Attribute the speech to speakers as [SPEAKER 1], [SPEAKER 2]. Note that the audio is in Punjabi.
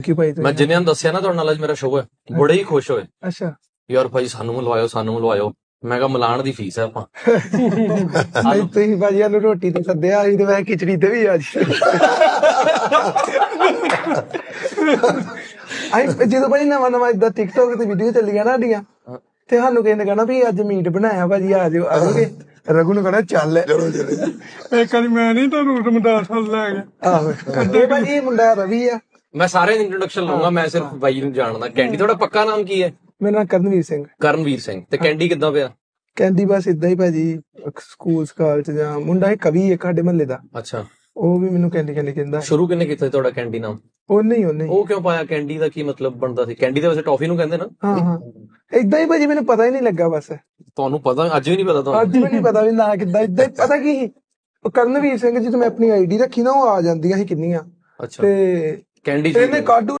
[SPEAKER 1] ਕਿ ਭਾਈ
[SPEAKER 2] ਮੈਂ ਜਿੰਨਿਆਂ ਨੂੰ ਦੱਸਿਆ ਨਾ ਤੁਹਾਡੇ ਨਾਲ ਅੱਜ ਮੇਰਾ ਸ਼ੋਅ ਹੈ, ਬੜੇ ਹੀ ਖੁਸ਼ ਹੋਏ
[SPEAKER 1] ਅੱਛਾ
[SPEAKER 2] ਯਾਰ ਭਾਈ ਸਾਨੂੰ ਮਿਲਵਾਇਓ। ਮੈਂ ਕਿਹਾ ਮਿਲਾਣ ਦੀ ਫੀਸ ਹੈ ਆਪਾਂ।
[SPEAKER 1] ਨਹੀਂ ਤੁਸੀਂ ਭਾਜੀ ਨੂੰ ਰੋਟੀ ਤੇ ਸੱਦਿਆ ਸੀ ਤੇ ਮੈਂ ਖਿਚੜੀ ਤੇ ਵੀ ਅੱਜ ਜਦੋਂ ਭਾਜੀ ਨਵਾਂ ਇਦਾਂ ਟਿਕਟੋਕ ਤੇ ਵੀਡੀਓ ਚੱਲੀਆਂ ਨਾ ਸਾਡੀਆਂ ਤੇ ਸਾਨੂੰ ਕਿਸੇ ਨੇ ਕਹਿਣਾ ਵੀ ਅੱਜ ਮੀਟ ਬਣਾਇਆ ਭਾਜੀ ਆ ਜਾਓ ਆਜੋਗੇ। ਰਘੂ ਨੂੰ ਕਹਿਣਾ ਚੱਲ
[SPEAKER 3] ਇੱਕ ਵਾਰੀ ਮੈਂ ਨਹੀਂ ਤੁਹਾਨੂੰ ਰਮਦਾਸ ਵੱਲ ਲੈ ਗਿਆ।
[SPEAKER 1] ਆਹੋ ਇਹ ਭਾਜੀ ਇਹ ਮੁੰਡਾ ਰਵੀ ਆ।
[SPEAKER 2] ਮੈਂ ਸਾਰਿਆਂ ਦੀ ਇੰਟਰੋਡਕਸ਼ਨ ਲਊਂਗਾ, ਮੈਂ ਸਿਰਫ ਬਾਈ ਨੂੰ ਜਾਣਦਾ। ਕੈਂਡੀ ਤੁਹਾਡਾ ਪੱਕਾ ਨਾਮ ਕੀ ਹੈ?
[SPEAKER 1] ਮੇਰਾ ਨਾਮ ਕਰਨਵੀਰ ਸਿੰਘ।
[SPEAKER 2] ਕਰਨਵੀਰ ਸਿੰਘ। ਤੇ ਕੈਂਡੀ ਕਿੱਦਾਂ ਪਿਆ?
[SPEAKER 1] ਕਹਿੰਦੀ ਬਸ ਇਦਾਂ ਹੀ ਭਾਜੀ ਸਕੂਲ ਸਕਾਲ ਚ ਜਾਂ ਮੁੰਡਾ ਇਹ ਕਵੀ ਇੱਕ ਸਾਡੇ ਮਹੱਲੇ ਦਾ,
[SPEAKER 2] ਅੱਛਾ,
[SPEAKER 1] ਉਹ ਵੀ ਮੈਨੂੰ ਕੈਂਡੀ ਕਹਿੰਦਾ।
[SPEAKER 2] ਸ਼ੁਰੂ ਕਿੰਨੇ ਕੀਤਾ ਸੀ ਤੁਹਾਡਾ ਕੈਂਡੀ ਨਾਮ?
[SPEAKER 1] ਉਹਨੇ
[SPEAKER 2] ਉਹ ਕਿਉਂ ਪਾਇਆ? ਕੈਂਡੀ ਦਾ ਕੀ ਮਤਲਬ ਬਣਦਾ ਸੀ? ਕੈਂਡੀ ਦੇ ਵੈਸੇ ਟੌਫੀ ਨੂੰ ਕਹਿੰਦੇ ਨਾ।
[SPEAKER 1] ਹਾਂ ਏਦਾਂ ਹੀ ਭਾਜੀ ਮੈਨੂੰ ਪਤਾ ਹੀ ਨਹੀਂ ਲੱਗਾ ਬਸ।
[SPEAKER 2] ਤੁਹਾਨੂੰ ਪਤਾ? ਅੱਜ ਵੀ ਨਹੀਂ ਪਤਾ ਤੁਹਾਨੂੰ?
[SPEAKER 1] ਅੱਜ ਵੀ ਨਹੀਂ ਪਤਾ ਵੀ ਨਾ ਕਿੱਦਾਂ ਏਦਾਂ ਹੀ ਪਤਾ ਕੀ ਸੀ ਉਹ ਕਰਨਵੀਰ ਸਿੰਘ ਜਦੋਂ ਮੈਂ ਆਪਣੀ ਆਈਡੀ ਰੱਖੀ ਨਾ ਉਹ ਆ ਜਾਂਦੀਆਂ ਸੀ ਕਿੰਨੀਆਂ
[SPEAKER 2] ਅੱਛਾ,
[SPEAKER 1] ਤੇ
[SPEAKER 2] ਕੈਂਡੀ
[SPEAKER 1] ਇਹਨੇ ਕਾਢੂ